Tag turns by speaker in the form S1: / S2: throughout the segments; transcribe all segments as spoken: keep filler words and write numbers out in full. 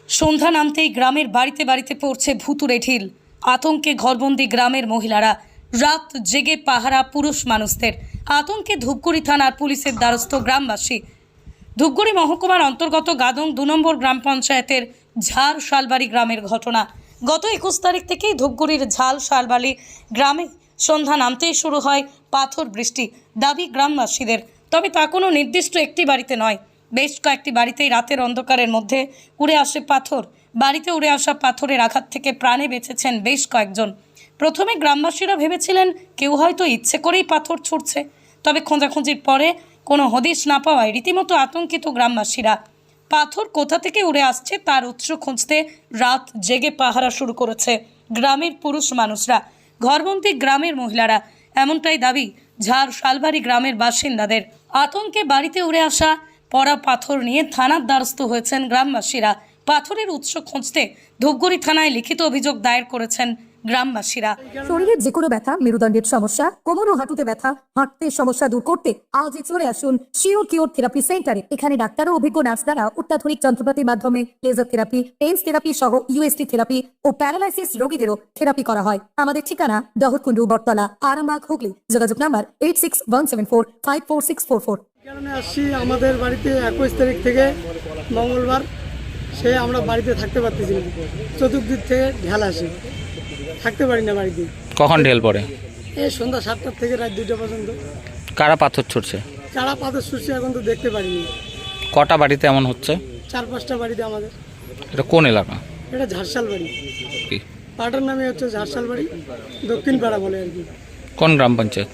S1: সন্ধ্যা নামতেই গ্রামের বাড়িতে বাড়িতে পড়ছে ভুতুড়ে ঢিল। আতঙ্কে ঘরবন্দি গ্রামের মহিলারা, রাত জেগে পাহারা পুরুষ মানুষদের। আতঙ্কে ধূপগুড়ি থানার পুলিশের দ্বারস্থ গ্রামবাসী। ধূপগুড়ি মহকুমার অন্তর্গত গাদং দু নম্বর গ্রাম পঞ্চায়েতের ঝাড় শালবাড়ি গ্রামের ঘটনা। গত একুশ তারিখ থেকেই ধূপগুড়ির ঝাল শালবাড়ি গ্রামে সন্ধ্যা নামতেই শুরু হয় পাথর বৃষ্টি। দাবি গ্রামবাসীদের, তবে তা কোনো নির্দিষ্ট একটি বাড়িতে নয়, বেশ কয়েকটি বাড়িতেই রাতের অন্ধকারের মধ্যে উড়ে আসে পাথর। বাড়িতে উড়ে আসা পাথরের আঘাত থেকে প্রাণে বেঁচেছেন বেশ কয়েকজন। প্রথমে গ্রামবাসীরা ভেবেছিলেন কেউ হয়তো ইচ্ছে করেই পাথর ছুঁড়ছে, তবে খোঁজাখুঁজির পরে কোনো হদিশ না পাওয়ায় রীতিমতো আতঙ্কিত গ্রামবাসীরা। পাথর কোথা থেকে উড়ে আসছে তার উৎস খুঁজতে রাত জেগে পাহারা শুরু করেছে গ্রামের পুরুষ মানুষরা, ঘরবন্দি গ্রামের মহিলারা। এমনটাই দাবি ঝাড় শালবাড়ি গ্রামের বাসিন্দাদের। আতঙ্কে বাড়িতে উড়ে আসা পড়া পাথর নিয়ে থানার দ্বারস্থ হয়েছেন গ্রামবাসীরা। পাথরের উৎস খুঁজতে ধূপগুড়ি থানায় লিখিত অভিযোগ দায়ের করেছেন গ্রামবাসীরা।
S2: শরীরের যে কোনো ব্যথা, মেরুদণ্ডের সমস্যা, কোমর ও হাঁটুতে ব্যথা, হাঁটতে সমস্যা দূর করতে আজই চলে আসুন শিওর কিওর থেরাপি সেন্টারে। এখানে ডাক্তার ও অভিজ্ঞ নার্স দ্বারা অত্যাধুনিক যন্ত্রপাতির মাধ্যমে লেজার থেরাপি, পেইন্স থেরাপি সহ ইউএসটি থেরাপি ও প্যারালাইসিস রোগীদেরও থেরাপি করা হয়। আমাদের ঠিকানা দহরকুন্ডু, বটতলা, আরামবাগ, হুগলি। যোগাযোগ number eight six one seven four five four six four four.
S3: কারণে আসছি আমাদের বাড়িতে একুশ তারিখ থেকে মঙ্গলবার সে আমরা বাড়িতে থাকতে পারতেছি না, চতুর্দিক থেকে ঢেল আসে, থাকতে পারি না বাড়িতে।
S4: কখন ঢেল পড়ে?
S3: এই সন্ধ্যা সাতটার থেকে রাত দুইটা পর্যন্ত।
S4: কারা পাথর ছুটছে?
S3: কারা পাথর ছুটছে এখন তো দেখতে পারিনি।
S4: কটা বাড়িতে এমন হচ্ছে?
S3: চার পাঁচটা বাড়িতে আমাদের।
S4: এটা কোন এলাকা?
S3: এটা ঝাড়শাল বাড়ি,
S4: কি
S3: পাড়ার নামে হচ্ছে ঝাড়শাল বাড়ি, দক্ষিণ পাড়া বলে আর কি।
S4: কোন গ্রাম পঞ্চায়েত?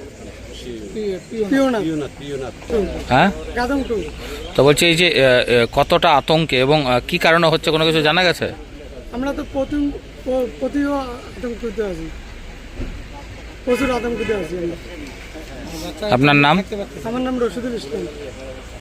S3: পিওনা
S4: হ্যাঁ,
S3: গাদং টু।
S4: তো বলছি এই যে আহ, আহ, কতটা আতঙ্কে এবং আহ, কি কারণে হচ্ছে কোনো কিছু জানা গেছে?
S3: আমরা তো প্রতি প্রতিও আতঙ্কিত আছি, প্রচুর আতঙ্কিত আছি আমরা।
S4: আপনার নাম?
S3: আমার নাম রশিদুল ইসলাম।